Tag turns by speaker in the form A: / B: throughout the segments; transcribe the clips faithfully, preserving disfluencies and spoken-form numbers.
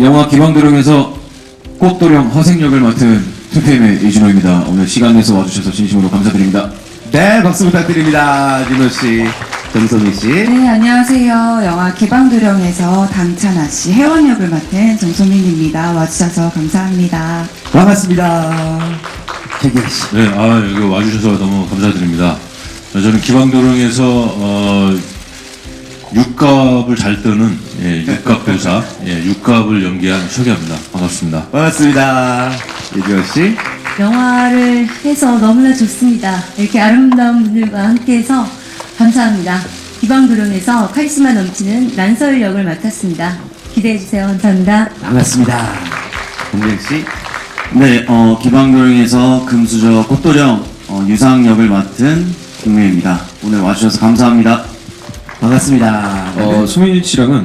A: 영화 기방도령에서 꽃도령 허생역을 맡은 투피엠의 이준호입니다. 오늘 시간 내서 와주셔서 진심으로 감사드립니다.
B: 네, 박수 부탁드립니다. 진호 씨, 정소미 씨.
C: 네, 안녕하세요. 영화 기방도령에서 당찬아 씨 혜원 역을 맡은 정소민입니다. 와주셔서 감사합니다.
B: 반갑습니다. 태길 씨.
D: 네, 아, 여기 와주셔서 너무 감사드립니다. 저는 기방도령에서, 어, 육갑을 잘 뜨는, 예, 육갑 배우사, 예, 육갑을 연기한 최기합니다. 반갑습니다.
B: 반갑습니다. 이주호 씨.
E: 영화를 해서 너무나 좋습니다. 이렇게 아름다운 분들과 함께해서 감사합니다. 기방도령에서 카리스마 넘치는 란서일 역을 맡았습니다. 기대해주세요. 감사합니다.
B: 반갑습니다. 동경 씨.
A: 네, 어, 기방도령에서 금수저 꽃도령 어, 유상 역을 맡은 김우혜입니다. 오늘 와주셔서 감사합니다.
B: 반갑습니다.
A: 어, 수민 씨랑은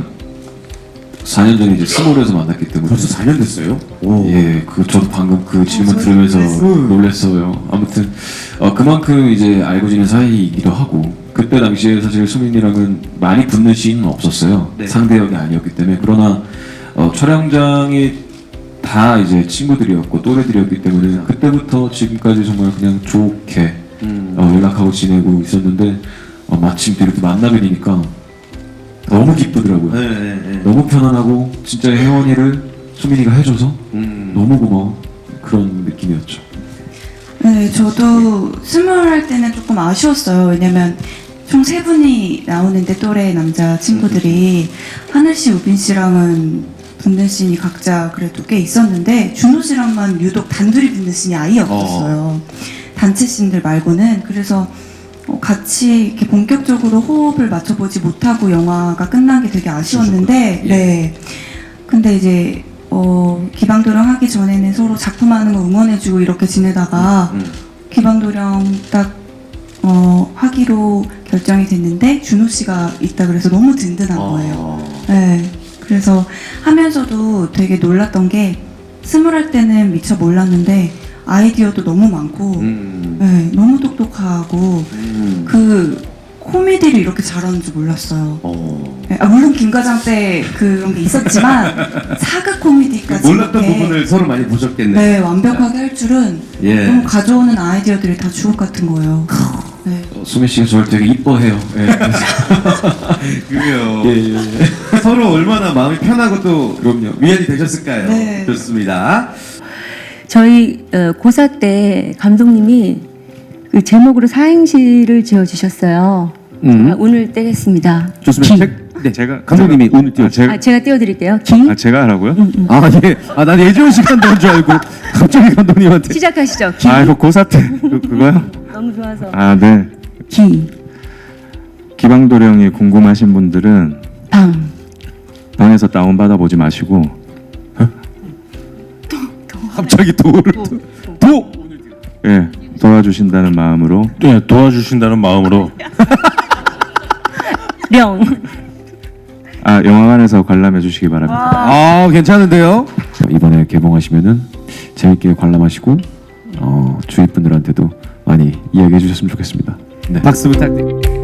A: 사 년 전에 이제 스몰에서 만났기 때문에
B: 벌써 사 년 됐어요? 오.
A: 예, 그 저도 방금 그 질문
C: 어,
A: 들으면서
C: 저도
A: 놀랐어요. 아무튼 어, 그만큼 이제 알고 지낸 사이이기도 하고 그때 당시에 사실 수민이랑은 많이 붙는 씬은 없었어요.
B: 네.
A: 상대 역이 아니었기 때문에. 그러나 어, 촬영장이 다 이제 친구들이었고 또래들이었기 때문에 그때부터 지금까지 정말 그냥 좋게
B: 음.
A: 어, 연락하고 지내고 있었는데 어, 마침 또 이렇게 만나게 되니까 너무 기쁘더라고요.
B: 네, 네, 네.
A: 너무 편안하고 진짜 혜원이를 수민이가 해줘서
B: 음.
A: 너무 고마워 그런 느낌이었죠.
C: 네, 저도 스물 할 때는 조금 아쉬웠어요. 왜냐면 총 세 분이 나오는데 또래 남자 친구들이 하늘 씨, 우빈 씨랑은 붙는 씬이 각자 그래도 꽤 있었는데 준호 씨랑만 유독 단둘이 붙는 씬이 아예 없었어요. 단체 씬들 말고는. 그래서 어, 같이 이렇게 본격적으로 호흡을 맞춰보지 못하고 영화가 끝난 게 되게 아쉬웠는데, 네. 근데 이제 어, 기방도령 하기 전에는 서로 작품하는 거 응원해주고 이렇게 지내다가
B: 음.
C: 기방도령 딱 어, 하기로 결정이 됐는데 준호 씨가 있다 그래서 너무 든든한 거예요.
B: 어.
C: 네. 그래서 하면서도 되게 놀랐던 게 스물 할 때는 미처 몰랐는데 아이디어도 너무 많고
B: 음.
C: 네, 너무 똑똑하고
B: 음.
C: 그 코미디를 이렇게 잘하는 줄 몰랐어요.
B: 어.
C: 네, 아, 물론 김과장 때 그런 게 있었지만 사극 코미디까지
B: 몰랐던
C: 이렇게
B: 부분을 서로 많이 보셨겠네요.
C: 네, 완벽하게 할 줄은
B: 예.
C: 너무 가져오는 아이디어들이 다 주옥 같은 거예요. 네.
A: 어, 수민 씨가 저를 되게 이뻐해요. 예.
B: 그래요.
A: 예, 예, 예.
B: 서로 얼마나 마음이 편하고 또
A: 그럼요.
B: 위안이 되셨을까요?
C: 네.
B: 좋습니다.
E: 저희 어, 고사 때 감독님이 그 제목으로 사행시를 지어주셨어요.
F: 음.
E: 아, 오늘 떼겠습니다.
F: 좋습니다.
E: 기.
F: 제, 네, 제가 감독님이 오늘 띄워.
G: 아, 제가,
E: 아, 제가 띄워드릴게요. 기.
G: 아, 제가 하라고요?
F: 아 예. 아난 예지원 시간 넣은 줄 알고 갑자기 감독님한테.
E: 시작하시죠. 기.
G: 아, 이거 고사 때 그, 그거요?
E: 너무 좋아서.
G: 아, 네.
E: 기.
G: 기방도령이 궁금하신 분들은
E: 방.
G: 방에서 다운 받아 보지 마시고
F: 갑자기 도를 도.
G: 예, 도와주신다는 마음으로
D: 네, 도와주신다는 마음으로.
E: 령.
G: 아, 영화관에서 관람해 주시기 바랍니다.
F: 아 괜찮은데요?
A: 이번에 개봉하시면은 재밌게 관람하시고 어, 주위 분들한테도 많이 이야기해 주셨으면 좋겠습니다. 네.
F: 박수 부탁드립니다.